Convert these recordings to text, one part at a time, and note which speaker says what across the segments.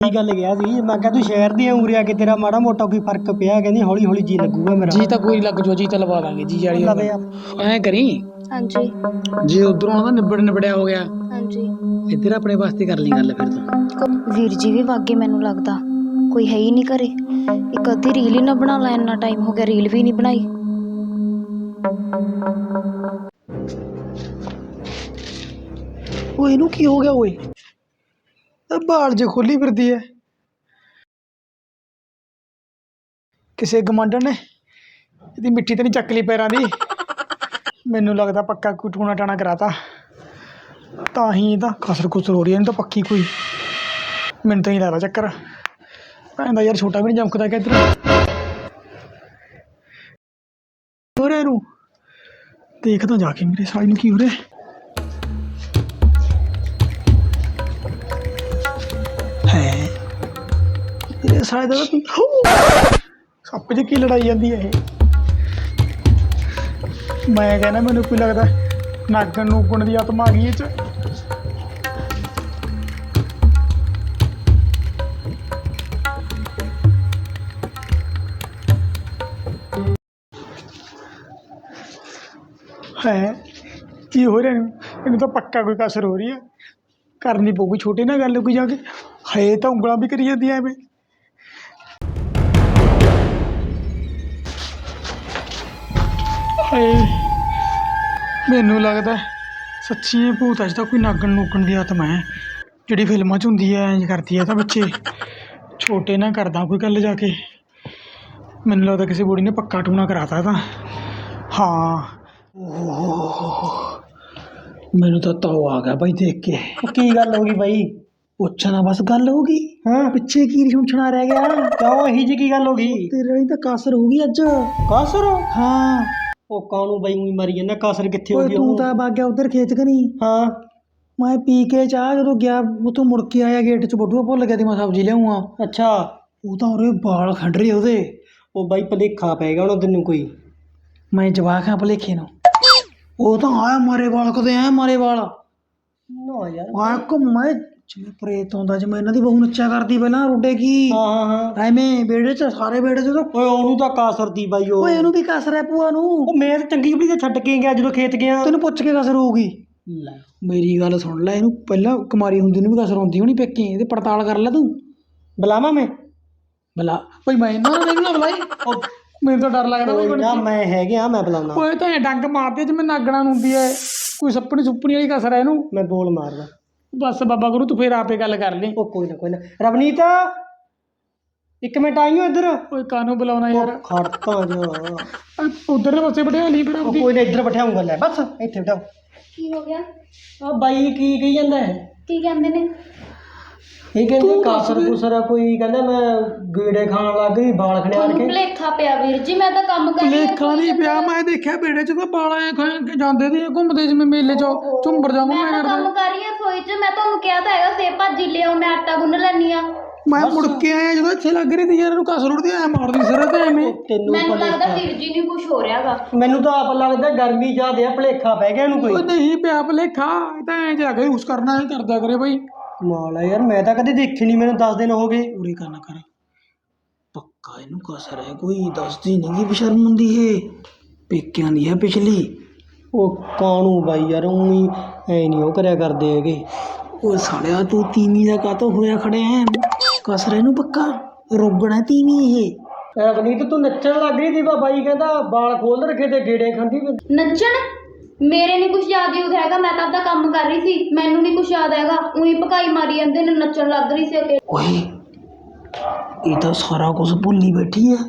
Speaker 1: ਕੀ ਗੱਲ ਗਿਆ ਸੀ ਮੈਂ ਕਿਹਾ ਤੂੰ ਸ਼ਹਿਰ ਦੀ ਉਰੇ ਆ ਕੇ ਤੇਰਾ ਮਾੜਾ ਮੋਟਾ ਕੋਈ ਫਰਕ ਪਿਆ ਕਹਿੰਦੀ ਹੌਲੀ ਹੌਲੀ ਜੀ ਲੱਗੂਗਾ ਮੇਰਾ
Speaker 2: ਜੀ ਤਾਂ ਕੋਈ ਲੱਗ ਜੋ ਜੀ ਤਾਂ ਲਵਾ ਦਾਂਗੇ ਜੀ ਵਾਲੀ
Speaker 1: ਲਵੇ ਆ
Speaker 2: ਐ ਕਰੀ
Speaker 3: ਹਾਂਜੀ
Speaker 2: ਜੇ ਉਧਰੋਂ ਆਉਂਦਾ ਨਿਬੜਿਆ ਹੋ ਗਿਆ
Speaker 3: ਹਾਂਜੀ
Speaker 2: ਇੱਧਰ ਆਪਣੇ ਵਾਸਤੇ ਕਰ ਲਈ ਗੱਲ ਫਿਰ ਤੂੰ
Speaker 3: ਵੀਰ ਜੀ ਵੀ ਵਾਗੇ ਮੈਨੂੰ ਲੱਗਦਾ ਕੋਈ ਹੈ ਹੀ ਨਹੀਂ ਘਰੇ ਇੱਕ ਅੱਧੀ ਰੀਲ ਹੀ ਨਾ ਬਣਾ ਲੈ ਇੰਨਾ ਟਾਈਮ ਹੋ ਗਿਆ ਰੀਲ ਵੀ ਨਹੀਂ ਬਣਾਈ
Speaker 2: ਓਏ ਇਹਨੂੰ ਕੀ ਹੋ ਗਿਆ ਓਏ ਬਾਲ ਜੇ ਖੋਲੀ ਫਿਰਦੀ ਐ ਕਿਸੇ ਗਮਾਂਡਣ ਨੇ ਇਹਦੀ ਮਿੱਟੀ ਤੇ ਨਹੀਂ ਚੱਕ ਲਈ ਪੈਰਾਂ ਦੀ ਮੈਨੂੰ ਲੱਗਦਾ ਪੱਕਾ ਕੋਈ ਟੂਣਾ ਟਾਣਾ ਕਰਾਤਾ ਤਾਂ ਹੀ ਇਹਦਾ ਖਸਰ ਖੁਸਰ ਹੋ ਰਹੀ ਹੈ ਇਹਨੂੰ ਤਾਂ ਪੱਕੀ ਕੋਈ ਮੈਨੂੰ ਤਾਂ ਨਹੀਂ ਲੱਗਦਾ ਚੱਕਰ ਕਹਿੰਦਾ ਯਾਰ ਛੋਟਾ ਵੀ ਨਹੀਂ ਜਮਕਦਾ ਕਿ ਇੱਧਰ ਹੋ ਰਿਹਾ ਇਹਨੂੰ ਦੇਖਦਾ ਜਾ ਕੇ ਮੇਰੇ ਸਾਈ ਨੂੰ ਕੀ ਹੋ ਰਿਹਾ ਹੈ ਇਹ ਸਾਲੇ ਦਾ ਸੱਪ ਜੀ ਕੀ ਲੜਾਈ ਜਾਂਦੀ ਹੈ ਇਹ ਮੈਂ ਕਹਿੰਦਾ ਮੈਨੂੰ ਕੋਈ ਲੱਗਦਾ ਨਾਗਣ ਨੂਗਣ ਦੀ ਆਤਮਾ ਆ ਗਈ ਇਹ ਚ ਹੈ ਕੀ ਹੋ ਰਿਹਾ ਇਹਨੂੰ ਤਾਂ ਪੱਕਾ ਕੋਈ ਕਸਰ ਹੋ ਰਹੀ ਹੈ ਕਰਨੀ ਪਊਗੀ ਛੋਟੇ ਨਾਲ ਗੱਲ ਕੋਈ ਜਾ ਕੇ ਹੈ ਤਾਂ ਉਂਗਲਾਂ ਵੀ ਕਰੀ ਜਾਂਦੀਆਂ ਐਵੇਂ ਹਾਏ ਮੈਨੂੰ ਲੱਗਦਾ ਸੱਚੀ ਇਹ ਭੂਤ ਅੱਜ ਤਾਂ ਕੋਈ ਨਾਗਣ ਨੂਗਣ ਦੀ ਆਤਮਾ ਹੈ ਜਿਹੜੀ ਫਿਲਮਾਂ 'ਚ ਹੁੰਦੀ ਹੈ ਇੰਝ ਕਰਦੀ ਹੈ ਤਾਂ ਬੱਚੇ ਛੋਟੇ ਨਾਲ ਕਰਦਾ ਕੋਈ ਗੱਲ ਜਾ ਕੇ ਮੈਨੂੰ ਲੱਗਦਾ ਕਿਸੇ ਬੁੜੀ ਨੇ ਪੱਕਾ ਟੂਣਾ ਕਰਾਤਾ ਤਾਂ ਹਾਂ ਮੈਨੂੰ ਤਾਂ ਤਾਉ ਆ ਗਿਆ ਬਾਈ ਦੇਖ ਕੇ
Speaker 1: ਕੀ ਗੱਲ ਹੋ ਗਈ ਬਾਈ
Speaker 2: ਪੁੱਛਣਾ ਬਸ ਗੱਲ ਹੋ ਗਈ
Speaker 1: ਹਾਂ
Speaker 2: ਪਿੱਛੇ ਕੀ ਸੁਣਨਾ ਰਹਿ ਗਿਆ
Speaker 1: ਕਿਉਂ ਇਹੀ ਜੀ ਕੀ ਗੱਲ ਹੋ ਗਈ
Speaker 2: ਤੇਰੇ ਲਈ ਤਾਂ ਕਾਸਰ ਹੋ ਗਈ ਅੱਜ
Speaker 1: ਕਾਸਰ
Speaker 2: ਹਾਂ
Speaker 1: ਉਹ ਕਾਹਨੂੰ ਬਾਈ ਉਹੀ ਮਰੀ ਜਾਂਦਾ ਕਾਸਰ ਕਿੱਥੇ ਹੋ
Speaker 2: ਓਏ
Speaker 1: ਗਈ
Speaker 2: ਤੂੰ ਤਾਂ ਵਗ ਗਿਆ ਉਧਰ ਖੇਤ ਕਨੀ
Speaker 1: ਹਾਂ
Speaker 2: ਮੈਂ ਪੀ ਕੇ ਚਾਹ ਜਦੋਂ ਗਿਆ ਉੱਥੋਂ ਮੁੜ ਕੇ ਆਇਆ ਗੇਟ 'ਚ ਬਟੂਆ ਭੁੱਲ ਗਿਆ ਤੇ ਮੈਂ ਸਬਜ਼ੀ ਲਿਆਉਂਗਾ
Speaker 1: ਅੱਛਾ
Speaker 2: ਉਹ ਤਾਂ ਉਰੇ ਵਾਲ ਖੰਡ ਰਹੇ ਉਹਦੇ
Speaker 1: ਉਹ ਬਾਈ ਭਲੇਖਾ ਪੈ ਗਿਆ ਹੁਣ ਤੈਨੂੰ ਕੋਈ
Speaker 2: ਮੈਂ ਜਵਾਕ ਹਾਂ ਭਲੇਖੇ ਨੂੰ ਉਹ ਤਾਂ ਆਇਆ ਮਾਰੇ ਵਾਲ ਕਦੇ ਐ ਮਾਰੇ ਵਾਲ
Speaker 1: ਨਾ ਯਾਰ
Speaker 2: ਆ ਘੁੰਮੇ ਜਿਵੇਂ ਪ੍ਰੇਤ ਆਉਂਦਾ ਜਿਵੇਂ ਇਹਨਾਂ ਦੀ ਬਹੂ ਨੱਚਿਆ ਕਰਦੀ ਪਹਿਲਾਂ ਰੋਡੇ ਕੀ
Speaker 1: ਹਾਂ ਹਾਂ ਹਾਂ
Speaker 2: ਐਵੇਂ ਵਿਹੜੇ 'ਚ ਸਾਰੇ ਵਿਹੜੇ 'ਚ ਉਹਦਾ
Speaker 1: ਓਏ ਉਹਨੂੰ ਤਾਂ ਕਾਸਰ ਦੀ ਬਾਈ ਉਹ
Speaker 2: ਓਏ ਇਹਨੂੰ ਵੀ ਕਸਰ ਹੈ ਭੂਆ ਨੂੰ
Speaker 1: ਉਹ ਮੈਂ ਤਾਂ ਚੰਗੀ ਬੜੀ ਤੇ ਛੱਡ ਕੇ ਗਿਆ ਜਦੋਂ ਖੇਤ ਗਿਆ
Speaker 2: ਤੈਨੂੰ ਪੁੱਛ ਕੇ ਕਸਰ ਹੋਊਗੀ
Speaker 1: ਲੈ
Speaker 2: ਮੇਰੀ ਗੱਲ ਸੁਣ ਲੈ ਇਹਨੂੰ ਪਹਿਲਾਂ ਕੁਮਾਰੀ ਹੁੰਦੀ ਨੂੰ ਵੀ ਕਸਰ ਹੁੰਦੀ ਹੋਣੀ ਪੇਕੀ ਇਹਦੀ ਪੜਤਾਲ ਕਰ ਲੈ ਤੂੰ
Speaker 1: ਬੁਲਾਵਾਂ ਮੈਂ
Speaker 2: ਬਲਾ ਭਾਈ ਮੈਂ ਇਹਨਾਂ ਨੂੰ ਨਾ ਬੁਲਾਈ
Speaker 1: ਉਹ
Speaker 2: ਮੈਨੂੰ ਤਾਂ ਡਰ ਲੱਗਦਾ
Speaker 1: ਕੋਈ ਨਾ ਮੈਂ ਹੈਗਾ ਮੈਂ ਬੁਲਾਉਣਾ
Speaker 2: ਓਏ ਤਾਂ ਡੰਗ ਮਾਰਦੇ ਜਿਵੇਂ ਨਾਗਣਾ ਨੂੰ ਹੁੰਦੀ ਐ ਕੋਈ ਸੱਪਣੀ ਸੁੱਪਣੀ ਵਾਲੀ ਕਸਰ ਐ ਇਹਨੂੰ
Speaker 1: ਮੈਂ ਬੋਲ ਮਾਰਦਾ
Speaker 2: ਬਸ ਬਾਬਾ ਗੁਰੂ ਤੂੰ ਫੇਰ ਆਪੇ ਗੱਲ ਕਰ ਲਈ
Speaker 1: ਉਹ ਕੋਈ ਨਾ ਰਵਨੀਤ ਇੱਕ ਮਿੰਟ ਆਈਓ ਇੱਧਰ
Speaker 2: ਓਏ ਕਾਨੂੰ ਬੁਲਾਉਣਾ ਯਾਰ
Speaker 1: ਖੜਤਾ ਜਾ
Speaker 2: ਉਧਰਲੇ ਪਾਸੇ ਬਿਠਾ ਲਈ ਫਿਰ
Speaker 1: ਉਹ
Speaker 2: ਆਪਦੀ
Speaker 1: ਕੋਈ ਨਾ ਇੱਧਰ ਬਿਠਾਉਂਗਾ ਲੈ ਬਸ ਇੱਥੇ ਬਿਠਾਓ
Speaker 3: ਕੀ ਹੋ ਗਿਆ
Speaker 1: ਆ ਬਾਈ ਕੀ ਕਹੀ ਜਾਂਦਾ ਹੈ
Speaker 3: ਕੀ ਕਹਿੰਦੇ ਨੇ
Speaker 1: ਇਹ ਕਹਿੰਦੇ ਕਾਸਰ ਕੁਸਰ ਆ ਕੋਈ ਕਹਿੰਦਾ ਮੈਂ ਗੇੜੇ ਖਾਣ ਲੱਗ ਗਈ ਵਾਲ ਖੜਿਆ
Speaker 3: ਤੁਹਾਨੂੰ
Speaker 1: ਕੇ
Speaker 3: ਭੁਲੇਖਾ ਪਿਆ ਵੀਰ ਜੀ ਮੈਂ ਤਾਂ ਕੰਮ ਕਰ ਰਹੀ ਹਾਂ
Speaker 2: ਲੇਖਾ ਨਹੀਂ ਪਿਆ ਮੈਂ ਦੇਖਿਆ ਬੇੜੇ 'ਚ ਤਾਂ ਬਾਲ ਐ ਜਾਂਦੇ ਤੇ ਘੁੰਮਦੇ ਜਿਵੇਂ ਮੇਲੇ 'ਚ ਝੁੰਬਰ ਜਾ
Speaker 3: ਮੈਂ
Speaker 2: ਘੁੰਮਿਆ
Speaker 3: ਤਾਂ ਕੰਮ
Speaker 2: ਕਰਦੇ
Speaker 3: ਕਰ ਰਹੀ ਹਾਂ ਰਸੋਈ 'ਚ ਮੈਂ ਤੁਹਾਨੂੰ ਕਿਹਾ ਤਾਂ ਹੈਗਾ ਸੇਬ ਭਾਜੀ ਲਿਆਓ ਮੈਂ ਆਟਾ ਗੁੰਨ ਲੈਣੀ ਆ
Speaker 2: ਮੈਂ ਮੁੜ ਕੇ ਆਇਆ ਜਦੋਂ ਇੱਥੇ ਲੱਗ ਰਹੀ ਤੀ ਯਾਰ ਇਹਨੂੰ ਕਸਰ ਉੜਦੀ ਐ ਮਾਰਦੀ ਸਿਰ ਤੇ ਐਵੇਂ
Speaker 1: ਤੈਨੂੰ
Speaker 3: ਮੈਨੂੰ ਲੱਗਦਾ
Speaker 1: ਭੁਲੇਖਾ
Speaker 3: ਵੀਰ ਜੀ ਨੂੰ ਕੁਝ ਹੋ ਰਿਹਾਗਾ
Speaker 1: ਮੈਨੂੰ ਤਾਂ ਆਪ ਲੱਗਦਾ ਗਰਮੀ ਜ਼ਿਆਦੇ ਆ ਭੁਲੇਖਾ ਪੈ ਗਿਆ ਇਹਨੂੰ
Speaker 2: ਉਹ
Speaker 1: ਕੋਈ
Speaker 2: ਨਹੀਂ ਪਿਆ ਭਲੇਖਾ ਇਹ ਤਾਂ ਐਂ ਜਾ ਕੇ ਉਸ ਕਰਨਾ ਐ ਕਰਦਾ ਕਰੇ ਬਈ
Speaker 1: ਕਮਾਲ ਆ ਯਾਰ ਮੈਂ ਤਾਂ ਕਦੇ ਦੇਖੀ ਨਹੀਂ ਮੈਨੂੰ 10 ਦਿਨ ਹੋ ਗਏ
Speaker 2: ਉਰੇ ਕਰਨਾ ਕਰ ਪੱਕਾ ਇਹਨੂੰ ਕਸਰ ਹੈ ਕੋਈ ਦੱਸਦੀ ਨਹੀਂ ਕਿ ਬਸ਼ਰਮ ਹੁੰਦੀ ਏ ਪੇਕਿਆਂ ਦੀ ਹੈ ਪਿਛਲੀ
Speaker 1: ਉਹ ਕਾਣੂ ਬਾਈ ਯਾਰ ਉਹੀ ਐ ਨਹੀਂ ਉਹ ਕਰਿਆ ਕਰਦੇ ਹੈਗੇ
Speaker 2: ਉਹ ਸਾਲਿਆ ਤੂੰ ਤੀਵੀਂ ਦਾ ਕਾਤੋਂ ਹੋਇਆ ਖੜਿਆ ਹੈ ਕਸਰ ਇਹਨੂੰ ਪੱਕਾ ਰੋਗਣਾ ਤੀਵੀਂ ਇਹ
Speaker 1: ਰਵਨੀਤ ਤੂੰ ਨੱਚਣ ਲੱਗ ਰਹੀ ਸੀ ਬਾਈ ਕਹਿੰਦਾ ਵਾਲ ਖੋਲ ਰੱਖੇ ਤੇ ਗੇੜੇ ਖਾਂਦੀ
Speaker 3: ਨੱਚਣ ਮੇਰੇ ਨਹੀਂ ਕੁਝ ਯਾਦ ਹੀ ਹੈਗਾ ਮੈਂ ਤਾਂ ਆਪਦਾ ਕੰਮ ਕਰ ਰਹੀ ਸੀ ਮੈਨੂੰ ਨਹੀਂ ਕੁਝ ਯਾਦ ਹੈਗਾ ਉਹੀ ਭਕਾਈ ਮਾਰੀ ਜਾਂਦੇ ਨੇ ਨੱਚਣ ਲੱਗ ਰਹੀ ਸੀ ਅੱਗੇ
Speaker 2: ਓਏ ਇਹ ਤਾਂ ਸਾਰਾ ਕੁਝ ਭੁੱਲੀ ਬੈਠੀ ਹੈ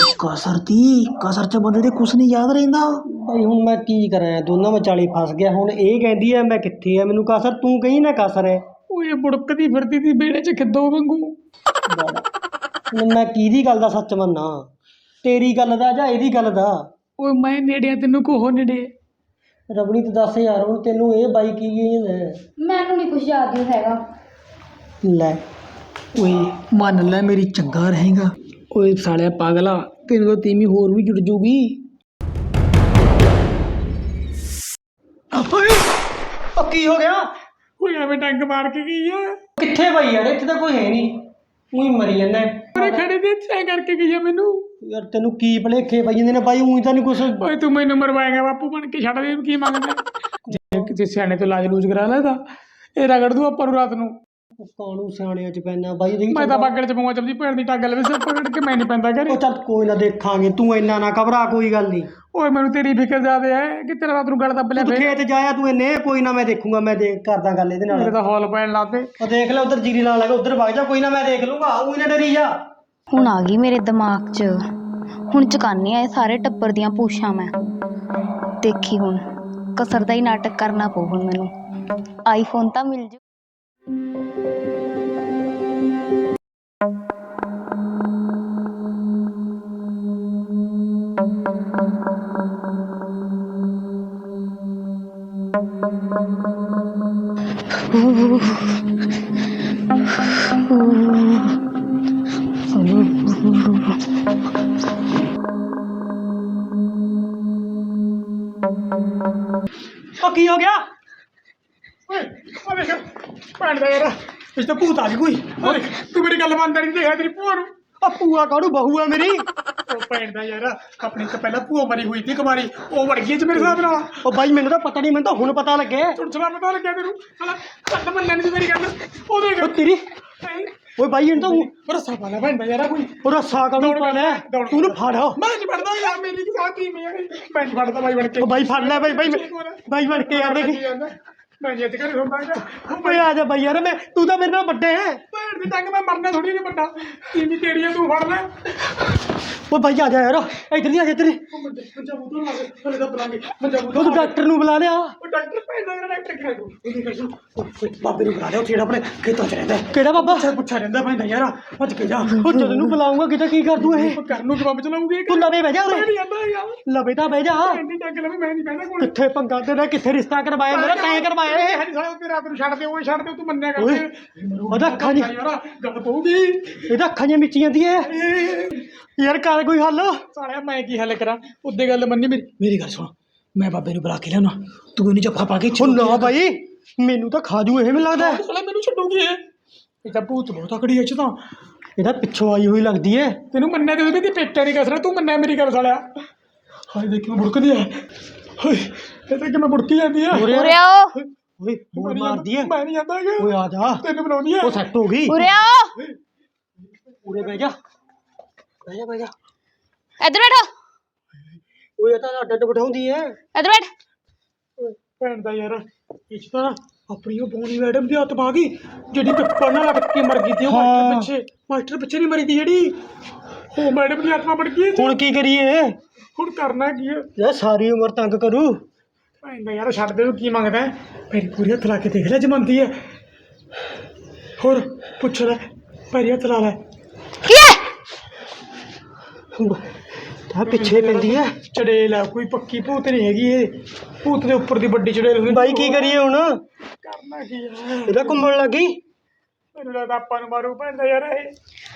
Speaker 2: ਕਸਰ ਚ ਬੰਦੇ ਦੇ ਕੁਝ ਨਹੀਂ ਯਾਦ ਰਹਿੰਦਾ
Speaker 1: ਭਾਈ ਹੁਣ ਮੈਂ ਕੀ ਕਰਾਂ ਦੋਨਾਂ ਵਿਚਾਲੇ ਫਸ ਗਿਆ ਹੁਣ ਇਹ ਕਹਿੰਦੀ ਐ ਮੈਂ ਕਿੱਥੇ ਆ ਮੈਨੂੰ ਕਸਰ ਤੂੰ ਕਹੀਂ ਨਾ ਕਸਰ ਹੈ
Speaker 2: ਓਏ ਬੁੜਕਦੀ ਫਿਰਦੀ ਤੀ ਬੇੜੇ ਚ ਖਿੱਦੋ ਵਾਂਗੂ
Speaker 1: ਮੈਂ ਕਿਹਦੀ ਗੱਲ ਦਾ ਸੱਚ ਮੰਨਾਂ ਤੇਰੀ ਗੱਲ ਦਾ ਜਾਂ ਇਹਦੀ ਗੱਲ ਦਾ
Speaker 2: ਓਏ ਮੈਂ ਨੇੜਿਆ ਤੈਨੂੰ ਕੋਹ ਨੇੜੇ
Speaker 1: ਰਵਨੀਤ ਦੱਸ ਯਾਰ ਹੁਣ ਤੈਨੂੰ ਇਹ ਬਾਈ ਕੀ ਕਹਿੰਦਾ
Speaker 3: ਮੈਨੂੰ ਨਹੀਂ ਕੁਝ ਯਾਦ ਹੀ ਹੈਗਾ
Speaker 1: ਲੈ
Speaker 2: ਓਏ ਮੰਨ ਲੈ ਮੇਰੀ ਚੰਗਾ ਰਹੇਗਾ ਓਏ ਸਾਲਿਆ ਪਾਗਲਾ ਤੈਨੂੰ ਤਾਂ ਤੀਵੀਂ ਹੋਰ ਵੀ ਜੁੜ ਜੂਗੀ ਓਏ
Speaker 1: ਉਹ ਕੀ ਹੋ ਗਿਆ
Speaker 2: ਕੋਈ ਐਵੇਂ ਡੰਗ ਮਾਰ ਕੇ ਗਈ ਆ
Speaker 1: ਕਿੱਥੇ ਬਾਈ ਯਾਰ ਇੱਥੇ ਤਾਂ ਕੋਈ ਹੈ ਨਹੀਂ ਉਹੀ ਮਰੀ ਜਾਂਦਾ
Speaker 2: ਮੇਰੇ ਖੜੇ ਦੇ ਤੈਂ ਕਰਕੇ ਗਈ ਆ ਮੈਨੂੰ।
Speaker 1: ਯਾਰ ਤੈਨੂੰ ਕੀ ਭਲੇਖੇ ਪਈ ਜਾਂਦੇ ਨੇ ਬਾਈ ਉਹੀ ਤਾਂ ਨਹੀਂ ਕੁਛ
Speaker 2: ਓਏ ਤੂੰ ਮੈਨੂੰ ਮਰਵਾਏਗਾ ਬਾਪੂ ਬਣ ਕੇ, ਛੱਡ ਦੇ ਕੀ ਮੰਗਦਾ। ਜੇ ਕਿਸੇ ਸਿਆਣੇ ਤੋਂ ਇਲਾਜ ਲੂਜ ਕਰਾ ਲੈ ਤਾਂ ਇਹ ਰਗੜ ਦੂ ਆਪਾਂ ਨੂੰ ਰਾਤ ਨੂੰ।
Speaker 1: ਕਾਹਨੂੰ ਸਿਆਣਿਆਂ ਚ ਪੈਣਾ ਬਾਈ ਦੇਖ
Speaker 2: ਮੈਂ ਤਾਂ ਬਾਗੜ ਚ ਪਊਂਗਾ ਚਪਦੀ ਭੈਣ ਦੀ ਟੱਗ ਲਵੇ ਸਿਰ ਪਕੜ ਕੇ, ਮੈਂ ਨਹੀਂ ਪੈਂਦਾ ਘਰੇ।
Speaker 1: ਉਹ ਚੱਲ ਕੋਈ ਨਾ ਦੇਖਾਂਗੇ, ਤੂੰ ਇੰਨਾ ਨਾ ਘਬਰਾ, ਕੋਈ ਗੱਲ ਨਹੀਂ।
Speaker 2: ਓਏ ਮੈਨੂੰ ਤੇਰੀ ਫਿਕਰ ਜ਼ਿਆਦੇ ਹੈ ਕਿ ਤੇਰਾ ਰਾਤ ਨੂੰ ਗਲ ਦੱਬ ਲਿਆ
Speaker 1: ਤੂੰ
Speaker 2: ਫੇਰ।
Speaker 1: ਖੇਤ ਜਾਇਆ ਤੂੰ ਇੰਨੇ, ਕੋਈ ਨਾ ਮੈਂ ਦੇਖੂੰਗਾ, ਮੈਂ ਦੇਖ ਕਰਦਾ ਗੱਲ ਇਹਦੇ
Speaker 2: ਮੇਰੇ
Speaker 1: ਨਾਲ।
Speaker 2: ਤਾਂ ਹੌਲ ਪੈਣ ਲੱਗ ਪਏ।
Speaker 1: ਉਹ ਦੇਖ ਲੈ ਉਧਰ ਜੀਰੀ ਲਾਉਣ ਲੱਗਾ, ਉਧਰ ਵਗ ਜਾ, ਕੋਈ ਨਾ ਮੈਂ ਦੇਖ ਲੂੰਗਾ, ਉਹੀ ਨਾ ਡਰੀ ਜਾ।
Speaker 3: ਹੁਣ ਆ ਗਈ ਮੇਰੇ ਦਿਮਾਗ 'ਚ, ਹੁਣ ਚੁਕਾਨੀ ਆ ਇਹ ਸਾਰੇ ਟੱਬਰ ਦੀਆਂ ਪੂਛਾਂ ਮੈਂ। ਦੇਖੀ ਹੁਣ ਕਸਰ ਦਾ ਹੀ ਨਾਟਕ ਕਰਨਾ ਪਊ ਹੁਣ ਮੈਨੂੰ। ਆਈਫੋਨ ਤਾਂ ਮਿਲ ਜੂ।
Speaker 1: ਉਹ ਕੀ ਹੋ ਗਿਆ?
Speaker 2: ਓਏ ਆ ਦੇਖ ਭੈਣ ਦਾ ਯਾਰ, ਇਸ ਤਾਂ ਭੂਤ ਆ ਗਈ ਕੋਈ। ਓਏ ਤੂੰ ਮੇਰੀ ਗੱਲ ਮੰਨਦਾ ਨਹੀਂ, ਦੇਖਿਆ ਤੇਰੀ ਭੂਆ ਨੂੰ।
Speaker 1: ਉਹ ਭੂਆ ਕਾਹਨੂੰ ਬਹੂ ਆ ਮੇਰੀ।
Speaker 2: ਉਹ ਭੈਣ ਦਾ ਯਾਰ, ਆਪਣੀ ਤਾਂ ਪਹਿਲਾਂ ਭੂਆ ਮਰੀ ਹੋਈ ਸੀ ਕੁਮਾਰੀ, ਉਹ ਵੜ ਗਈ ਚ ਮੇਰੇ ਹਿਸਾਬ ਨਾਲ।
Speaker 1: ਉਹ ਬਾਈ ਮੈਨੂੰ ਤਾਂ ਪਤਾ ਨਹੀਂ, ਮੈਨੂੰ ਤਾਂ ਹੁਣ ਪਤਾ ਲੱਗਿਆ।
Speaker 2: ਚੁੜਚਲਾ ਪਤਾ ਲੱਗਿਆ ਤੈਨੂੰ, ਸਾਲਾ ਕੱਲ ਮੰਨਿਆ ਨਹੀਂ ਮੇਰੀ ਗੱਲ। ਉਹ ਦੇਖ
Speaker 1: ਉਹ ਤੇਰੀ ਓਏ ਬਾਈ ਇਹਨੂੰ ਤਾਂ
Speaker 2: ਉਹ ਰੱਸਾ ਪਾ ਲੈ ਭੈਣ ਦਾ ਯਾਰ ਕੋਈ।
Speaker 1: ਉਹ ਰੱਸਾ ਕਾਹਨੂੰ ਪਾ ਲੈ, ਤੂੰ ਨੂੰ ਫੜ।
Speaker 2: ਮੈਂ ਨਹੀਂ ਫੜਦਾ ਯਾਰ, ਮੇਰੀ ਕੀ ਸਾਥੀ ਮੈਂ ਨਹੀਂ ਫੜਦਾ ਬਾਈ ਬਣ ਕੇ।
Speaker 1: ਉਹ ਬਾਈ ਫੜ ਲੈ ਬਾਈ, ਬਾਈ ਬਣ ਕੇ ਯਾਰ ਦੇਖ।
Speaker 2: ਮੈਂ ਜਿੱਤ ਕਰ ਹੁੰਦਾ
Speaker 1: ਓਏ ਆ ਜਾ ਬਾਈ ਯਾਰ, ਮੈਂ ਤੂੰ ਤਾਂ ਮੇਰੇ ਨਾਲ ਵੱਡਾ ਹੈ।
Speaker 2: ਭੈਣ ਦੀ ਟੰਗ ਮੈਂ ਮਰਨਾ ਥੋੜੀ ਨਹੀਂ ਵੱਡਾ, ਤੀਵੀਂ ਤੇਰੀ ਆ, ਤੂੰ ਫੜ ਲੈ।
Speaker 1: ਓ ਬਾਈ ਆ ਜਾ ਯਾਰ, ਇੱਧਰ ਨਹੀਂ ਆ ਜਾ ਤੇਰੇ।
Speaker 2: ਮੰਜਾ ਬੂਤੋਂ ਲਾ ਦੇ, ਹਲੇ ਤਾਂ ਬੁਲਾਂਗੇ ਮੰਜਾ
Speaker 1: ਉਹ
Speaker 2: ਬੂਤੋਂ।
Speaker 1: ਤੂੰ ਡਾਕਟਰ ਨੂੰ ਬੁਲਾ ਲਿਆ।
Speaker 2: ਉਹ ਡਾਕਟਰ ਭੈਣ ਦਾ ਡਾਕਟਰ ਕਿਹੜਾ ਤੂੰ? ਇਹਦੀ ਕਰ ਸੁਣ,
Speaker 1: ਬਾਬੇ ਨੂੰ ਬੁਲਾ ਲਿਆ, ਉੱਥੇ ਜਿਹੜਾ ਆਪਣੇ ਖੇਤਾਂ 'ਚ ਰਹਿੰਦਾ। ਕਿਹੜਾ ਬਾਬਾ?
Speaker 2: ਪੁੱਛਾ ਰਹਿੰਦਾ ਭੈਣ ਦਾ ਯਾਰ, ਭੱਜ ਕੇ ਜਾ।
Speaker 1: ਉਹ ਜਦੋਂ ਨੂੰ ਬੁਲਾਉਂਗਾ ਕਿਤੇ ਕੀ ਕਰ ਦੂੰ ਇਹ?
Speaker 2: ਉਹ ਘਰ ਨੂੰ ਜਵਾਬ ਚਲਾਉਂਗੇ।
Speaker 1: ਤੂੰ ਲਵੇ ਬਹਿ ਜਾ
Speaker 2: ਮੈਂ
Speaker 1: ਉਰੇ,
Speaker 2: ਨਹੀਂ ਆਂਦਾ ਯਾਰ,
Speaker 1: ਲਵੇ ਤਾਂ ਬਹਿ ਜਾ।
Speaker 2: ਇੰਨੀ ਟੰਗ ਲਵੇ ਮੈਂ ਨਹੀਂ ਬਹਿਣਾ ਕੋਲ।
Speaker 1: ਕਿੱਥੇ ਪੰਗਾ ਤੇਰਾ, ਕਿੱਥੇ ਰਿਸ਼ਤਾ ਕਰਵਾਇਆ ਮੇਰਾ, ਤੈਂ ਕਰਵਾਇਆ ਇਹ।
Speaker 2: ਹਰੀ ਸਾਲਾ ਤੇ ਰਾਤ ਨੂੰ ਛੱਡ ਦੇ, ਉਹ ਛੱਡ ਦੇ, ਤੂੰ ਮੰਨਿਆ
Speaker 1: ਓਏ
Speaker 2: ਕਰ।
Speaker 1: ਉਹਦਾ ਅੱਖਾਂ ਨਹੀਂ,
Speaker 2: ਯਾਰ ਗੱਲ ਪਊਗੀ।
Speaker 1: ਇਹਦਾ ਅੱਖਾਂ ਜਿਹੀਆਂ ਮਿੱਚੀ ਜਾਂਦੀਆਂ ਯਾਰ, ਕਰ ਕੋਈ ਹੱਲ।
Speaker 2: ਸਾਲਿਆ ਮੈਂ ਕੀ ਹੱਲ ਕਰਾਂ, ਉੱਦੇ ਗੱਲ ਮੰਨੀ ਮੇਰੀ। ਮੇਰੀ ਗੱਲ ਸੁਣ, ਮੈਂ ਬਾਬੇ ਨੂੰ ਬੁਲਾ ਕੇ ਲਿਆਉਣਾ, ਤੂੰ ਇਹਨੂੰ ਜੱਫਾ ਪਾ ਕੇ।
Speaker 1: ਉਹ ਨਾ ਬਾਈ, ਮੈਨੂੰ ਤਾਂ ਖਾ ਜੂ ਇਹ, ਮੈਨੂੰ ਲੱਗਦਾ।
Speaker 2: ਸਾਲਾ ਮੈਨੂੰ ਛੱਡੂਗੀ ਇਹ ਤਾਂ ਭੂਤ ਬਹੁਤ ਤਕੜੀ ਐ ਚ ਤਾਂ।
Speaker 1: ਇਹਦਾ ਪਿੱਛੋਂ ਆਈ ਹੋਈ ਲੱਗਦੀ ਏ।
Speaker 2: ਤੈਨੂੰ ਮੰਨਿਆ ਤੇ ਉਹਦੇ ਪੇਟੇ ਨਹੀਂ ਕਸਣਾ, ਤੂੰ ਮੰਨਿਆ ਮੇਰੀ ਗੱਲ ਸਾਲਿਆ। ਹਾਏ ਦੇਖੀ ਮੈਂ ਬੁੜਕਦੀ ਆ, ਹਾਏ ਇਹ ਤਾਂ ਕਿਵੇਂ ਬੁੜਕੀ ਜਾਂਦੀ ਆ।
Speaker 3: ਉਰੇ ਆਓ,
Speaker 1: ਓਏ ਹੋਰ ਮਾਰਦੀ ਏ।
Speaker 2: ਮੈਂ ਨਹੀਂ ਜਾਂਦਾ ਹੈਗਾ।
Speaker 1: ਓਏ ਆ ਜਾ,
Speaker 2: ਤੈਨੂੰ ਬਣਾਉਂਦੀ ਆ।
Speaker 1: ਉਹ ਸੈੱਟ ਹੋ ਗਈ।
Speaker 3: ਉਰੇ ਆਓ,
Speaker 1: ਉਰੇ ਬਹਿ ਜਾ, ਬਹਿ ਜਾ, ਬਹਿ ਜਾ।
Speaker 3: ਇੱਧਰ ਬੈਠੋ,
Speaker 1: ਓਏ ਇਹ ਤਾਂ ਅੱਡ ਅੱਡ ਬਿਠਾਉਂਦੀ ਏ।
Speaker 3: ਇੱਧਰ ਬੈਠ।
Speaker 2: ਓਏ ਭੈਣ ਦਾ ਯਾਰ, ਇਸ ਤਾਂ ਆਪਣੀ ਉਹ ਬੋਨੀ ਮੈਡਮ ਦੀ ਹੱਥ ਪਾ ਗਈ, ਜਿਹੜੀ ਪੇਪਰ ਨਾਲ ਲਟਕ ਕੇ ਮਰ ਗਈ ਸੀ। ਉਹ ਮਾਸਟਰ ਪਿੱਛੇ ਨਹੀਂ ਮਰੀ ਤੀ ਜਿਹੜੀ, ਉਹ ਮੈਡਮ ਦੀ ਆਤਮਾ ਬਣ ਗਈ।
Speaker 1: ਹੁਣ ਕੀ ਕਰੀਏ?
Speaker 2: ਹੁਣ ਕਰਨਾ ਕੀ ਹੈ
Speaker 1: ਯਾਰ ਸਾਰੀ ਉਮਰ ਤੰਗ ਕਰੂ।
Speaker 2: ਭੈਣ ਦਾ ਯਾਰ, ਛੱਡ ਦੇ ਨੂੰ ਕੀ ਮੰਗਦਾ ਹੈ। ਮੇਰੀ ਪੂਰੀ ਹੱਥ ਲਾ ਕੇ ਦੇਖ ਲੈ ਜਮੰਦੀ ਹੈ। ਹੋਰ ਪੁੱਛ ਲੈ, ਪੈਰੀ ਹੱਥ ਲਾ ਲੈ।
Speaker 3: ਕੀ ਹੈ?
Speaker 1: ਤਾਂ ਪਿੱਛੇ ਪੈਂਦੀ ਏ।
Speaker 2: ਚੜੇਲ ਹੈ, ਕੋਈ ਪੱਕੀ ਭੂਤ ਨਹੀਂ ਹੈਗੀ ਇਹ। ਭੂਤ ਦੇ ਉੱਪਰ ਦੀ ਵੱਡੀ ਚੜੇਲ ਹੁੰਦੀ।
Speaker 1: ਬਾਈ ਕੀ ਕਰੀਏ ਹੁਣ?
Speaker 2: ਕਰਨਾ ਕੀ ਹੈ?
Speaker 1: ਇਹਦਾ ਘੁੰਮਣ ਲੱਗੀ।
Speaker 2: ਮੈਨੂੰ ਲੱਗਦਾ ਆਪਾਂ ਨੂੰ ਮਾਰੂ ਭੈਣ ਦਾ ਯਾਰ ਇਹ।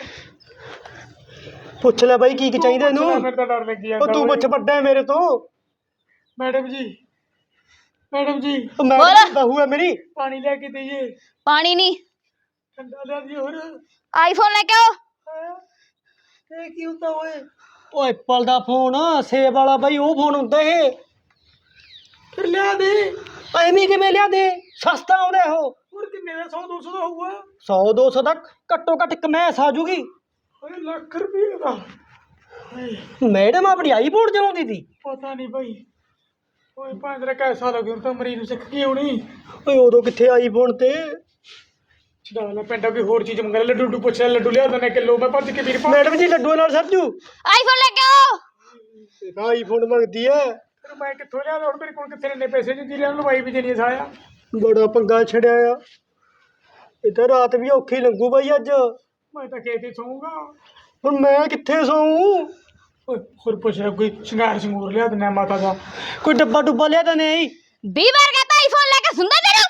Speaker 1: ਪੁੱਛ ਲੈ ਬਾਈ ਕੀ ਚਾਹੀਦਾ ਇਹਨੂੰ।
Speaker 2: ਮੈਨੂੰ ਤਾਂ ਡਰ ਲੱਗੀ ਜਾਂਦਾ।
Speaker 1: ਉਹ ਤੂੰ ਪੁੱਛ, ਵੱਡਾ ਹੈ ਮੇਰੇ ਤੋਂ।
Speaker 2: ਮੈਡਮ ਜੀ, ਮੈਡਮ ਜੀ,
Speaker 1: ਉਹ ਮੈਂ ਬਹੂ ਹੈ ਮੇਰੀ।
Speaker 2: ਪਾਣੀ ਲੈ ਕੇ ਦੇਈਏ?
Speaker 3: ਪਾਣੀ ਨਹੀਂ,
Speaker 2: ਠੰਡਾ ਲਿਆ ਦੀ। ਹੋਰ
Speaker 3: ਆਈਫੋਨ ਲੈ ਕੇ ਆਓ।
Speaker 2: ਇਹ ਕੀ ਹੁੰਦਾ ਓਏ?
Speaker 1: ਉਹ ਐਪਲ ਦਾ ਫੋਨ, ਸੇਬ ਵਾਲਾ ਬਾਈ, ਉਹ ਫੋਨ ਹੁੰਦਾ ਇਹ।
Speaker 2: ਫਿਰ ਲਿਆ ਦੇ।
Speaker 1: ਐਵੇਂ ਕਿਵੇਂ ਲਿਆ ਦੇ, ਸਸਤਾ ਆਉਂਦਾ ਉਹ।
Speaker 2: ਹੋਰ ਕਿੰਨੇ ਦਾ? 100 200 ਦਾ ਹੋਊਗਾ।
Speaker 1: 100 200 ਦਾ ਘੱਟੋ ਘੱਟ ਕਮੈਸ ਆ ਜੂਗੀ।
Speaker 2: ਓਏ ਲੱਖ ਰੁਪਏ ਦਾ।
Speaker 1: ਮੈਡਮ ਆਪਣੀ ਆਈਫੋਨ ਚਲਾਉਂਦੀ ਸੀ।
Speaker 2: ਪਤਾ ਨਹੀਂ ਭਾਈ। ਓਏ 5 ਕੈਸਾ ਲੱਗੇ, ਹੁਣ ਤਾਂ ਮਰੀਜ਼ ਨੂੰ ਸਿੱਖ ਗਈ ਹੋਣੀ।
Speaker 1: ਓਏ ਉਦੋਂ ਕਿੱਥੇ ਆਈਫੋਨ ਤੇ।
Speaker 2: ਛਡਾ ਲੈ ਪਿੰਡਾ, ਕੋਈ ਹੋਰ ਚੀਜ਼ ਮੰਗ ਲੈ। ਲੱਡੂ ਲੱਡੂ ਪੁੱਛ ਲੈ, ਲੱਡੂ ਲਿਆ ਦਿੰਦੇ ਕਿਲੋ। ਮੈਂ ਭੱਜ ਕੇ ਵੀਰ ਪਾ।
Speaker 1: ਮੈਡਮ ਜੀ ਲੱਡੂਆਂ ਨਾਲ ਸਰਜੂ।
Speaker 3: ਆਈਫੋਨ ਲੈ ਕੇ ਆਓ।
Speaker 1: ਇਹ ਤਾਂ ਆਈਫੋਨ ਮੰਗਦੀ ਐ।
Speaker 2: ਫਿਰ ਮੈਂ ਕਿੱਥੋਂ ਲਿਆ? ਹੁਣ ਮੇਰੇ ਕੋਲ ਕਿੱਥੇ ਇੰਨੇ ਪੈਸੇ ਨਹੀਂ ਦਿਲੇ, ਲਵਾਈ ਵੀ ਦੇਣੀ ਸਾਇਆ।
Speaker 1: ਬੜਾ ਪੰਗਾ ਛੜਿਆ ਆ। ਇਹ ਤਾਂ ਰਾਤ ਵੀ ਔਖੀ ਲੰਘੂ ਬਾਈ ਅੱਜ।
Speaker 2: ਮੈਂ ਤਾਂ ਖੇਤ ਹੀ ਸੌਂਗਾ।
Speaker 1: ਹੁਣ ਮੈਂ ਕਿੱਥੇ ਸੌਂ?
Speaker 2: ਓਏ ਹੋਰ ਪੁੱਛ ਲੈ, ਕੋਈ ਸ਼ਿੰਗਾਰ ਸ਼ਿੰਗੂਰ ਲਿਆ ਦਿੰਦਾ ਮਾਤਾ ਦਾ।
Speaker 1: ਕੋਈ ਡੱਬਾ ਡੁੱਬਾ ਲਿਆ ਤਾਂ ਨਹੀਂ?
Speaker 3: 20 ਵਾਰ ਕਹਤਾ ਆਈਫੋਨ ਲੈ ਕੇ, ਸੁਣਦਾ ਤੈਨੂੰ?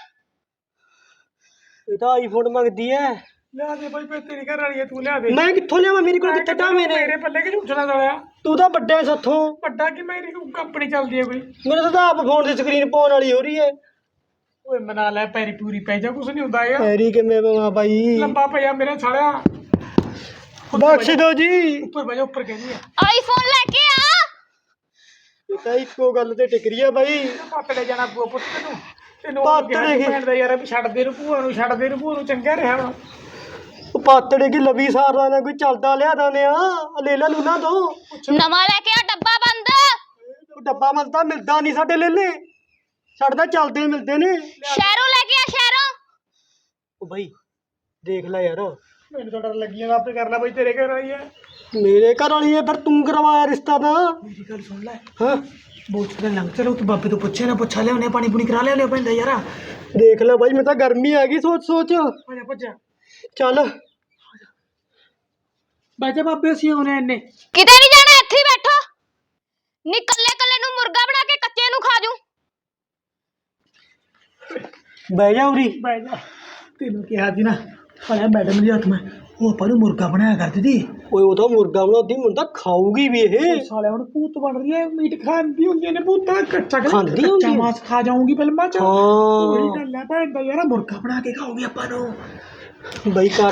Speaker 1: ਇਹ ਤਾਂ ਆਈਫੋਨ ਮੰਗਦੀ ਐ।
Speaker 2: ਲਿਆ ਦੇ ਭਾਈ, ਤੇਰੀ ਘਰ ਵਾਲੀ ਹੈ, ਤੂੰ ਲਿਆ ਦੇ।
Speaker 1: ਮੈਂ ਕਿੱਥੋਂ ਲਿਆਵਾਂ? ਮੇਰੇ ਕੋਲ ਕਿੱਥੇ ਟਾਵੇਂ ਨੇ।
Speaker 2: ਮੇਰੇ ਪੱਲੇ ਕਿ ਝੂਠਣਾ ਦਲਿਆ।
Speaker 1: ਤੂੰ ਤਾਂ ਵੱਡਾ ਸਾਥੋਂ।
Speaker 2: ਵੱਡਾ ਕਿ ਮੇਰੀ ਕੰਪਨੀ ਚੱਲਦੀ ਹੈ ਕੋਈ।
Speaker 1: ਮੇਰੇ ਤਾਂ ਆਪ ਫੋਨ ਦੀ ਸਕਰੀਨ ਪਾਉਣ ਵਾਲੀ ਹੋ ਰਹੀ ਐ।
Speaker 2: ਓਏ ਮਨਾ ਲੈ, ਪੈਰੀ ਪੂਰੀ ਪੈ ਜਾ, ਕੁਛ ਨਹੀਂ ਹੁੰਦਾ ਹੈਗਾ।
Speaker 1: ਪੈਰੀ ਕਿਵੇਂ ਪਵਾਂ ਬਾਈ?
Speaker 2: ਲੰਬਾ ਪਿਆ ਮੇਰੇ ਸਾਲਿਆ।
Speaker 1: ਬਖਸ਼ ਦਿਓ ਜੀ।
Speaker 2: ਉੱਪਰ ਬਹਿ ਜਾ, ਉੱਪਰ ਕਹਿੰਦੀ ਆ
Speaker 3: ਆਈਫੋਨ ਲੈ ਕੇ ਆ।
Speaker 1: ਇਹ ਤਾਂ ਇੱਕੋ ਗੱਲ ਤੇ ਟਿਕ ਰਹੀ ਆ ਬਾਈ।
Speaker 2: ਪੱਟ ਲੈ ਜਾਣਾ ਪੂਆ ਪੁੱਤ ਤੈਨੂੰ
Speaker 1: ਪੱਟ ਲੈ ਗਈ।
Speaker 2: ਭੈਣ ਦਾ ਯਾਰ ਵੀ ਛੱਡ ਦੇ ਨੂੰ ਭੂਆ ਨੂੰ, ਛੱਡ ਦੇ ਨੂੰ ਭੂਆ ਨੂੰ, ਚੰਗਾ ਰਿਹਾ ਵਾ।
Speaker 1: ਉਹ ਪਾਤੜੇ ਕੀ ਲਵੀ ਸਾਰਦਾ ਨਾ ਕੋਈ ਚੱਲਦਾ ਲਿਆ ਦਾਨੇ ਆ ਲੇਲਾ ਲੂਨਾ ਤੋਂ।
Speaker 3: ਨਵਾਂ ਲੈ ਕੇ ਆ, ਡੱਬਾ ਬੰਦ।
Speaker 1: ਉਹ ਡੱਬਾ ਮਲਦਾ ਮਿਲਦਾ ਨਹੀਂ ਸਾਡੇ ਲੇਲੇ, ਸਾਡੇ ਤਾਂ ਚੱਲਦੇ ਮਿਲਦੇ ਨੇ।
Speaker 3: ਸ਼ਹਿਰੋਂ ਲੈ ਕੇ ਆ, ਸ਼ਹਿਰੋਂ।
Speaker 1: ਉਹ ਬਾਈ ਦੇਖ ਲੈ ਯਾਰ,
Speaker 2: ਮੈਨੂੰ ਤਾਂ ਡਰ ਲੱਗੀ ਜਾਂਦਾ, ਆਪੇ ਕਰ ਲੈ ਬਾਈ, ਤੇਰੇ ਘਰ ਆਈ ਹੈ।
Speaker 1: ਮੇਰੇ ਘਰ ਵਾਲੀ ਹੈ ਫਿਰ ਤੂੰ ਕਰਵਾਇਆ ਰਿਸ਼ਤਾ ਤਾਂ।
Speaker 2: ਮੇਰੀ ਗੱਲ ਸੁਣ ਲੈ,
Speaker 1: ਹਾਂ
Speaker 2: ਬਹੁਤ ਦਿਨ ਲੰਘ ਚਲੋ ਤੂੰ ਬਾਬੇ ਤੋਂ ਪੁੱਛੇ ਨਾ, ਪੁੱਛਾ ਲਿਆਉਣੇ, ਪਾਣੀ ਪੂਣੀ ਕਰਾ ਲਿਆਉਣੇ ਪੈਂਦਾ ਯਾਰ।
Speaker 1: ਦੇਖ ਲੈ ਬਾਈ, ਮੈਂ ਤਾਂ ਗਰਮੀ ਆ ਗਈ ਸੋਚ ਸੋਚ।
Speaker 2: ਆ ਜਾ ਭੱਜਾ,
Speaker 1: ਚੱਲ
Speaker 2: ਬਾਜਾ ਬਾਬੇ ਅਸੀਂ ਆਉਣੇ ਇੰਨੇ।
Speaker 3: ਕਿਤੇ ਨਹੀਂ ਜਾਣਾ, ਇੱਥੇ ਹੀ ਬੈਠੋ। ਨੀ ਕੱਲੇ ਕੱਲੇ ਨੂੰ ਮੁਰਗਾ ਬਣਾ ਕੇ ਕੱਚੇ ਨੂੰ ਖਾ ਜੂ।
Speaker 1: ਬਹਿ ਜਾ ਉਰੀ।
Speaker 2: ਬਹਿ ਜਾ, ਤੈਨੂੰ ਕਿਹਾ ਸੀ ਨਾ ਸਾਲਿਆ ਮੈਡਮ ਦੇ ਹੱਥ ਮੈਂ ਉਹ ਆਪਾਂ ਨੂੰ ਮੁਰਗਾ ਬਣਾਇਆ ਕਰਦੀ ਸੀ।
Speaker 1: ਓਏ ਉਹ ਤਾਂ ਮੁਰਗਾ ਬਣਾਉਂਦੀ, ਮੈਨੂੰ ਤਾਂ ਖਾਊਗੀ ਵੀ ਇਹ।
Speaker 2: ਸਾਲਿਆ ਹੁਣ ਭੂਤ ਬਣ ਰਹੀ ਹੈ, ਮੀਟ ਖਾਂਦੀ ਹੁੰਦੀਆਂ ਨੇ ਭੂਤਾਂ, ਕੱਚਾ
Speaker 1: ਖਾਂਦੀ ਹੁੰਦੀ ਹੈ।
Speaker 2: ਮਾਸ ਖਾ ਜਾਊਂਗੀ ਫਿਲਮਾਂ ਚ।
Speaker 1: ਹਾਂ
Speaker 2: ਉਹੀ ਗੱਲ ਹੈ ਭੈਣ ਦਾ ਯਾਰ, ਮੁਰਗਾ ਬਣਾ ਕੇ ਖਾਊਗੀ ਆਪਾਂ ਨੂੰ।
Speaker 1: ਬਾਈ ਕਰ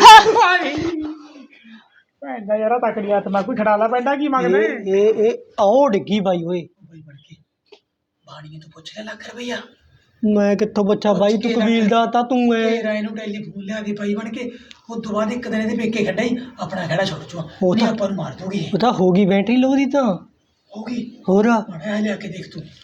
Speaker 2: ਭੈਣ ਦਾ ਯਾਰ ਤਕੜੀ ਆਤਮਾ, ਕੋਈ ਖੜਾਲਾ ਪੈਂਦਾ ਕੀ ਮੰਗਦੇ।
Speaker 1: ਇਹ ਆਓ ਡਿੱਗੀ ਬਾਈ ਓਏ।
Speaker 2: ਬਾਈ ਬਣ ਕੇ ਬਾਣੀ ਤੋਂ ਪੁੱਛ ਲੈ ਲੱਖ ਰੁਪਈਆ।
Speaker 1: ਮੈਂ ਕਿੱਥੋਂ ਬੱਚਾ ਬਾਈ, ਤੂੰ ਕਬੀਲਦਾਰ ਤਾਂ ਤੂੰ ਐ।
Speaker 2: ਰਾਏ ਨੂੰ ਟੈਲੀਫੋਨ ਲਿਆ ਦੀ ਭਾਈ ਬਣ ਕੇ, ਉਸ ਤੋਂ ਬਾਅਦ ਇੱਕ ਦਿਨ ਇਹਦੇ ਪੇਕੇ ਖੱਡਾ ਹੀ ਆਪਣਾ ਖੜਾ ਛੱਡ ਚੁਆ,
Speaker 1: ਉਹ ਤਾਂ
Speaker 2: ਆਪਾਂ ਨੂੰ ਮਾਰ ਦੋਗੇ।
Speaker 1: ਉਹ ਤਾਂ ਹੋ ਗਈ ਬੈਟਰੀ ਲੋ ਦੀ ਤਾਂ
Speaker 2: ਹੋ ਗਈ
Speaker 1: ਹੋਰ।
Speaker 2: ਬਣਾ ਲਿਆ ਕੇ ਦੇਖ ਤੂੰ।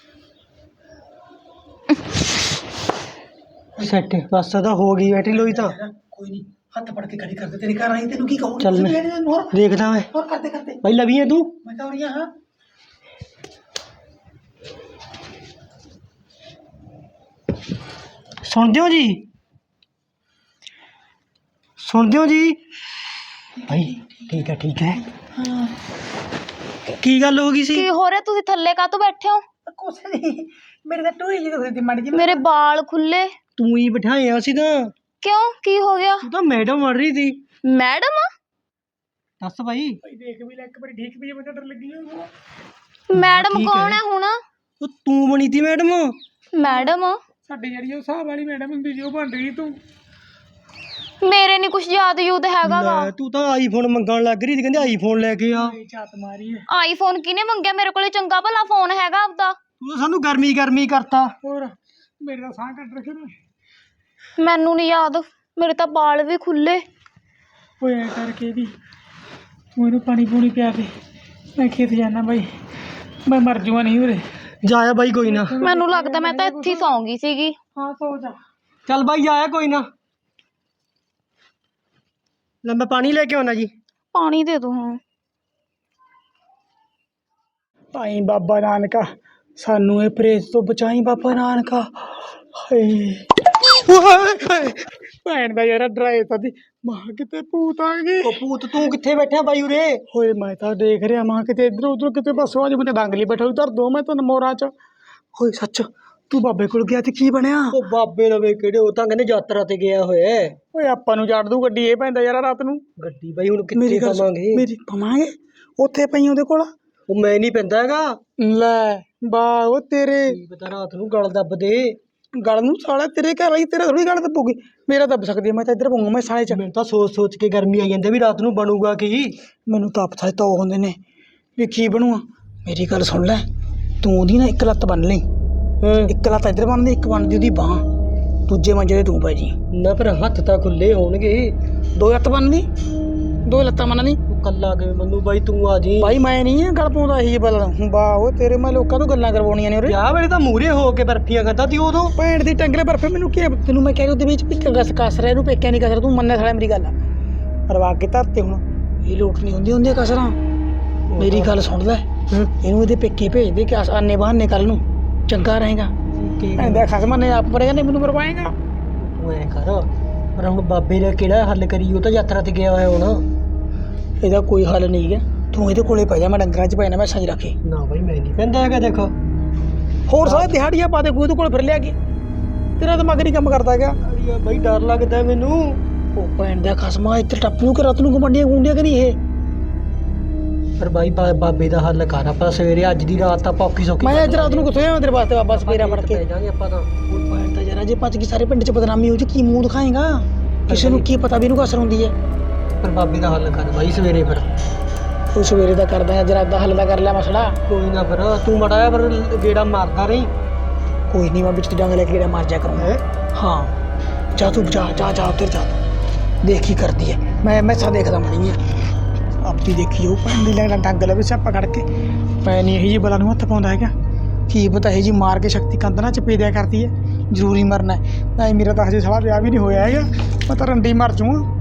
Speaker 1: ਸੈੱਟ ਬਸ ਤਾਂ ਹੋ ਗਈ ਬੈਟਰੀ ਲੋਈ ਤਾਂ।
Speaker 2: ਕੋਈ ਨਹੀਂ, ਹੱਥ ਫੜ ਕੇ ਖੜੀ ਕਰਦੇ, ਤੇਰੇ ਘਰ ਆਈ ਤੈਨੂੰ ਕੀ ਕਹੂੰ।
Speaker 1: ਚੱਲ ਮੈਂ ਦੇਖਦਾ ਮੈਂ।
Speaker 2: ਹੋਰ ਕਰਦੇ ਕਰਦੇ
Speaker 1: ਬਾਈ ਲਵੀ ਹੈ ਤੂੰ।
Speaker 2: ਮੈਂ ਤਾਂ ਉਰੀਆਂ ਹਾਂ।
Speaker 1: ਸੁਣਦੇ ਹੋ ਜੀ, ਸੁਣਦੇ ਹੋ ਜੀ ਭਾਈ। ਠੀਕ ਹੈ ਠੀਕ ਹੈ।
Speaker 2: ਹਾਂ
Speaker 1: ਕੀ ਗੱਲ ਹੋ ਗਈ ਸੀ?
Speaker 3: ਕੀ ਹੋ ਰਿਹਾ, ਤੁਸੀਂ ਥੱਲੇ ਕਾਹਤੋਂ ਬੈਠੇ ਹੋ?
Speaker 2: ਕੁਛ ਨਹੀਂ, ਮੇਰੇ ਤਾਂ ਟੋਈ ਜੀ ਦੁਖਦੀ ਮਾੜੀ ਜੀ।
Speaker 3: ਮੇਰੇ ਵਾਲ ਖੁੱਲੇ
Speaker 1: ਤੂੰ ਹੀ ਬਿਠਾਇਆ ਸੀ ਤਾਂ।
Speaker 3: ਕਿਉਂ, ਕੀ ਹੋ ਗਿਆ?
Speaker 1: ਤੂੰ ਤਾਂ ਮੈਡਮ ਬਣ ਰਹੀ ਸੀ।
Speaker 3: ਮੈਡਮ?
Speaker 1: ਦੱਸ ਭਾਈ।
Speaker 2: ਭਾਈ ਦੇਖ ਵੀ ਲੈ ਇੱਕ ਵਾਰੀ, ਠੀਕ ਵੀ, ਮੈਨੂੰ ਡਰ ਲੱਗੀ ਜਾਂਦਾ।
Speaker 3: ਮੈਡਮ
Speaker 1: ਠੀਕ
Speaker 3: ਕੌਣ
Speaker 1: ਹੈ।
Speaker 3: ਹੈ ਹੁਣ?
Speaker 1: ਉਹ ਤੂੰ ਬਣੀ ਤੀ ਮੈਡਮ।
Speaker 3: ਮੈਡਮ
Speaker 2: ਸਾਡੀ ਜਿਹੜੀ ਉਹ ਹਿਸਾਬ ਵਾਲੀ ਮੈਡਮ ਹੁੰਦੀ ਜੀ, ਉਹ ਬਣ ਰਹੀ ਤੂੰ।
Speaker 3: ਮੇਰੇ ਨਹੀਂ ਕੁਝ ਯਾਦ ਯੂਦ ਹੈਗਾ ਵਾ।
Speaker 1: ਲੈ, ਤੂੰ ਤਾਂ ਆਈਫੋਨ ਮੰਗਣ ਲੱਗ ਰਹੀ ਸੀ, ਕਹਿੰਦੇ ਆਈਫੋਨ ਲੈ ਕੇ ਆ।
Speaker 2: ਝਾਤ ਮਾਰੀ ਹੈ।
Speaker 3: ਆਈਫੋਨ ਕਿਹਨੇ ਮੰਗਿਆ? ਮੇਰੇ ਕੋਲੇ ਚੰਗਾ ਭਲਾ ਫੋਨ ਹੈਗਾ ਆਪਦਾ।
Speaker 1: ਤੂੰ ਤਾਂ ਸਾਨੂੰ ਗਰਮੀ ਗਰਮੀ ਕਰਤਾ।
Speaker 2: ਹੋਰ ਮੇਰੇ ਤਾਂ ਸਾਹ ਕੱਟ ਰੱਖੇ ਨੇ।
Speaker 3: ਮੈਨੂੰ ਨਹੀਂ ਯਾਦ, ਮੇਰੇ ਤਾਂ ਵਾਲ ਵੀ ਖੁੱਲੇ।
Speaker 2: ਹੋਇਆ ਕਰਕੇ ਵੀ ਤੂੰ ਇਹਨੂੰ ਪਾਣੀ ਪੂਣੀ ਪਿਆ ਦੇ, ਮੈਂ ਖੇਤ ਜਾਣਾ ਬਾਈ, ਮੈਂ ਮਰ ਜੂਆ ਨਹੀਂ ਉਰੇ।
Speaker 1: ਜਾਇਆ ਬਾਈ ਕੋਈ ਨਾ।
Speaker 3: ਮੈਨੂੰ ਲੱਗਦਾ ਮੈਂ ਤਾਂ ਇੱਥੇ ਹੀ ਸੌਂਗੀ ਸੀਗੀ।
Speaker 2: ਹਾਂ ਸੋ ਜਾ।
Speaker 1: ਚੱਲ ਬਾਈ ਆਇਆ ਕੋਈ ਨਾ। ਲੈ ਮੈਂ ਪਾਣੀ ਲੈ ਕੇ ਆਉਣਾ ਜੀ।
Speaker 3: ਪਾਣੀ ਦੇ ਦੋ ਹਾਂ।
Speaker 2: ਭਾਈ ਬਾਬਾ ਨਾਨਕਾ ਸਾਨੂੰ ਇਹ ਪ੍ਰੇਤ ਤੋਂ ਬਚਾਈ ਬਾਬਾ ਨਾਨਕਾ। ਹਾਏ ਭੈਣ ਦਾ ਯਾਰ ਡਰਾਏ ਤਾਂ ਦੀ ਮਾਂ, ਕਿਤੇ ਭੂਤ ਆ ਗਈ।
Speaker 1: ਉਹ ਭੂਤ ਤੂੰ ਕਿੱਥੇ ਬੈਠਾ ਬਾਈ ਉਰੇ?
Speaker 2: ਹੋਏ ਮੈਂ ਤਾਂ ਦੇਖ ਰਿਹਾ ਮਾਂ, ਕਿਤੇ ਇੱਧਰ ਉੱਧਰ ਕਿਤੇ ਬਸ ਅੱਜ ਮੈਨੂੰ ਡਾਂਗਲੀ ਬੈਠਾ ਹੋਈ ਧਰ ਦੋ ਮੈਂ ਤਾਂ ਮੋਰਾਂ ਚ। ਹੋਏ ਸੱਚ, ਤੂੰ ਬਾਬੇ ਕੋਲ ਗਿਆ ਤੇ ਕੀ ਬਣਿਆ?
Speaker 1: ਉਹ ਬਾਬੇ ਲਵੇ ਕਿਹੜੇ, ਉਹ ਤਾਂ ਕਹਿੰਦੇ ਯਾਤਰਾ ਤੇ ਗਿਆ ਹੋਇਆ ਹੈ।
Speaker 2: ਓਏ ਆਪਾਂ ਨੂੰ ਜੜ ਦੂ ਗੱਡੀ, ਇਹ ਪੈਂਦਾ ਯਾਰ ਰਾਤ ਨੂੰ।
Speaker 1: ਗੱਡੀ ਬਾਈ ਹੁਣ ਕਿੱਥੇ ਪਾਵਾਂਗੇ?
Speaker 2: ਮੇਰੀ ਪਵਾਂਗੇ ਉੱਥੇ ਪਈ ਉਹਦੇ ਕੋਲ।
Speaker 1: ਉਹ ਮੈਂ ਨਹੀਂ ਪੈਂਦਾ ਹੈਗਾ।
Speaker 2: ਲੈ ਵਾਹ ਉਹ ਤੇਰੇ
Speaker 1: ਕੀ ਪਤਾ ਰਾਤ ਨੂੰ ਗਲ ਦੱਬ ਦੇ।
Speaker 2: ਗਲ ਨੂੰ ਸਾਲਾ, ਤੇਰੇ ਘਰ ਆਈ ਤੇਰਾ ਥੋੜੀ ਗਲ ਦੱਬੂਗੀ, ਮੇਰਾ ਦੱਬ ਸਕਦੀ ਹੈ। ਮੈਂ ਤਾਂ ਇੱਧਰ ਪਊਂਗਾ, ਮੈਂ ਸਾਲੇ ਚ।
Speaker 1: ਮੈਨੂੰ ਤਾਂ ਸੋਚ ਸੋਚ ਕੇ ਗਰਮੀ ਆਈ ਜਾਂਦੀ ਵੀ ਰਾਤ ਨੂੰ ਬਣੂਗਾ ਕੀ।
Speaker 2: ਮੈਨੂੰ ਤਾਂ ਪਤਾ ਤਾਂ ਉਹ ਹੁੰਦੇ ਨੇ ਵੀ ਕੀ ਬਣੂਆ। ਮੇਰੀ ਗੱਲ ਸੁਣ ਲੈ, ਤੂੰ ਉਹਦੀ ਨਾ ਇੱਕ ਲੱਤ ਬੰਨ ਲਈ। ਇੱਕ ਲੱਤ ਇੱਧਰ ਬੰਨਦੀ, ਇੱਕ ਬੰਨਦੀ ਉਹਦੀ ਬਾਂਹ, ਦੂਜੇ ਮੰਜੇ ਤੇ ਤੂੰ ਪੈ ਜੀ।
Speaker 1: ਨਾ ਪਰ ਹੱਥ ਤਾਂ ਖੁੱਲੇ ਹੋਣਗੇ।
Speaker 2: ਦੋ ਲੱਤ ਬੰਨਦੀ, ਦੋ ਲੱਤਾਂ ਬੰਨਦੀ।
Speaker 1: ਤੂੰ ਕੱਲਾ ਕਿਵੇਂ ਮੰਨੂ ਬਾਈ, ਤੂੰ ਆ ਜੀ।
Speaker 2: ਬਾਈ ਮੈਂ ਨਹੀਂ ਗੱਲ ਪਾਉਂਦਾ ਇਹੀ ਬਲ। ਵਾਹ ਉਹ ਤੇਰੇ, ਮੈਂ ਲੋਕਾਂ ਤੋਂ ਗੱਲਾਂ ਕਰਵਾਉਣੀਆਂ ਨੇ ਉਰੇ।
Speaker 1: ਵਿਆਹ ਵੇਲੇ ਤਾਂ ਮੂਹਰੇ ਹੋ ਕੇ ਬਰਫੀਆਂ ਖਾਂਦਾ ਤੀ ਉਦੋਂ।
Speaker 2: ਭੈਣ ਦੀ ਟੰਗਲੇ ਬਰਫੇ, ਮੈਨੂੰ ਕੀ ਤੈਨੂੰ ਮੈਂ ਕਹਿ ਰਿਹਾ ਉਹਦੇ ਵਿੱਚ ਵੀ ਕਸਰ ਹੈ, ਇਹਨੂੰ ਪੇਕਿਆਂ ਨਹੀਂ ਕਸਰ। ਤੂੰ ਮੰਨਿਆ ਸਾਲਾ ਮੇਰੀ ਗੱਲ ਰਵਾ ਕੇ ਧਰਤੇ ਹੁਣ, ਇਹ ਲੋਟ ਨਹੀਂ ਹੁੰਦੀਆਂ ਕਸਰਾਂ। ਮੇਰੀ ਗੱਲ ਸੁਣ ਲੈ, ਇਹਨੂੰ ਇਹਦੇ ਪੇਕੇ ਭੇਜ ਦੇ ਕਿ ਆਨੇ ਬਹਾਨੇ ਕੱਲ ਨੂੰ ਚੰਗਾ ਰਹੇਗਾ। ਕਹਿੰਦਾ ਖਸਮਾਂ ਨੇ ਆਪ ਪੜੇਗਾ, ਨਹੀਂ ਮੈਨੂੰ ਮਰਵਾਏਗਾ।
Speaker 1: ਤੂੰ ਐ ਕਰ, ਪਰ ਹੁਣ ਬਾਬੇ ਨੇ ਕਿਹੜਾ ਹੱਲ ਕਰੀ? ਉਹ ਤਾਂ ਯਾਤਰਾ ਤੇ ਗਿਆ ਹੋਇਆ ਹੁਣ।
Speaker 2: ਇਹਦਾ ਕੋਈ ਹੱਲ ਨਹੀਂ ਹੈ, ਤੂੰ ਇਹਦੇ ਕੋਲੇ ਪੈ ਜਾ, ਮੈਂ ਡੰਗਰਾਂ 'ਚ ਪੈਣਾ, ਮੈਂ ਸੱਜ ਰੱਖੇ।
Speaker 1: ਨਾ ਬਾਈ ਮੈਂ ਨਹੀਂ ਕਹਿੰਦਾ ਹੈਗਾ। ਦੇਖੋ
Speaker 2: ਹੋਰ ਸਾਰੇ ਦਿਹਾੜੀਆਂ ਪਾ ਦੇ, ਕੋਈ ਉਹਦੇ ਕੋਲ ਫਿਰ ਲਿਆ ਕੇ, ਤੇਰਾ ਦਿਮਾਗ ਨਹੀਂ ਕੰਮ ਕਰਦਾ ਹੈਗਾ।
Speaker 1: ਬਾਈ ਡਰ ਲੱਗਦਾ ਮੈਨੂੰ।
Speaker 2: ਉਹ ਭੈਣ ਦਾ ਖਸਮਾ ਇੱਥੇ ਟੱਪੂ ਕਿ ਰਾਤ ਨੂੰ ਗੁੰਡੀਆਂ ਗੁੰਡੀਆਂ ਕਰੀ ਇਹ।
Speaker 1: ਪਰ ਬਾਈ ਬਾਬੇ ਦਾ ਹੱਲ ਕਰ। ਆਪਾਂ ਸਵੇਰੇ ਅੱਜ ਦੀ ਰਾਤ ਆਪਾਂ ਔਖੀ ਸੌਖੀ
Speaker 2: ਮੈਂ ਅੱਜ ਰਾਤ ਨੂੰ ਕਿੱਥੋਂ ਆਵਾਂ ਤੇਰੇ ਵਾਸਤੇ ਬਾਬਾ ਸਪੇਰਾ ਫੜ ਕੇ।
Speaker 1: ਪੈ ਜਾਾਂਗੇ ਆਪਾਂ ਤਾਂ।
Speaker 2: ਉਹ ਭੈਣ ਦਾ ਯਾਰ ਜੇ ਭੱਜ ਗਈ ਸਾਰੇ ਪਿੰਡ 'ਚ ਬਦਨਾਮੀ ਹੋ ਜੀ, ਕੀ ਮੂੰਹ ਦਿਖਾਏਗਾ? ਕਿਸੇ ਨੂੰ ਕੀ ਪਤਾ ਵੀ ਇਹਨੂੰ ਕਸਰ ਹੁੰਦੀ ਹੈ।
Speaker 1: ਪਰ ਬਾਬੇ ਦਾ ਹੱਲ ਕਰ ਬਾਈ ਸਵੇਰੇ ਫਿਰ।
Speaker 2: ਉਹ ਸਵੇਰੇ ਦਾ ਕਰਦਾ ਹੈ, ਜਰਾ ਦਾ ਹੱਲ ਦਾ ਕਰ ਲਿਆ ਮਸਲਾ।
Speaker 1: ਕੋਈ ਨਾ ਫਿਰ ਤੂੰ ਮਾੜਾ ਜਿਹਾ ਫਿਰ ਗੇੜਾ ਮਾਰਦਾ ਰਹੀ।
Speaker 2: ਕੋਈ ਨਹੀਂ, ਮੈਂ ਵਿੱਚ ਡੰਗ ਲੈ ਕੇ ਕਿਹੜਾ ਮਾਰ ਜਾ ਕਰੂੰਗਾ। ਹਾਂ ਜਾ ਤੂੰ, ਜਾ ਉੱਧਰ ਜਾ, ਦੇਖ ਕੀ ਕਰਦੀ ਹੈ। ਮੈਂ ਮੈਸਾਂ ਦੇਖਦਾ ਮਣੀ ਆਪੀ ਦੇਖੀ ਉਹ ਪੈਂਦੀ ਲੱਗਦਾ ਡੰਗ ਲਵੇ ਸਿਆਪਾ ਕੱਢ ਕੇ। ਮੈਂ ਨਹੀਂ ਇਹੀ ਜੀ ਬਲਾ ਨੂੰ ਹੱਥ ਪਾਉਂਦਾ ਹੈਗਾ, ਕੀ ਪਤਾ ਇਹ ਜੀ ਮਾਰ ਕੇ ਸ਼ਕਤੀ ਕੰਧ ਨਾਲ ਚਪੇ ਦਿਆ ਕਰਦੀ ਹੈ। ਜ਼ਰੂਰੀ ਮਰਨਾ ਹੈ। ਨਹੀਂ ਮੇਰਾ ਤਾਂ ਹਜੇ ਸਾਲਾ ਵਿਆਹ ਵੀ ਨਹੀਂ ਹੋਇਆ ਹੈਗਾ, ਮੈਂ ਤਾਂ ਰੰਡੀ ਮਰ ਜੂਆਂ।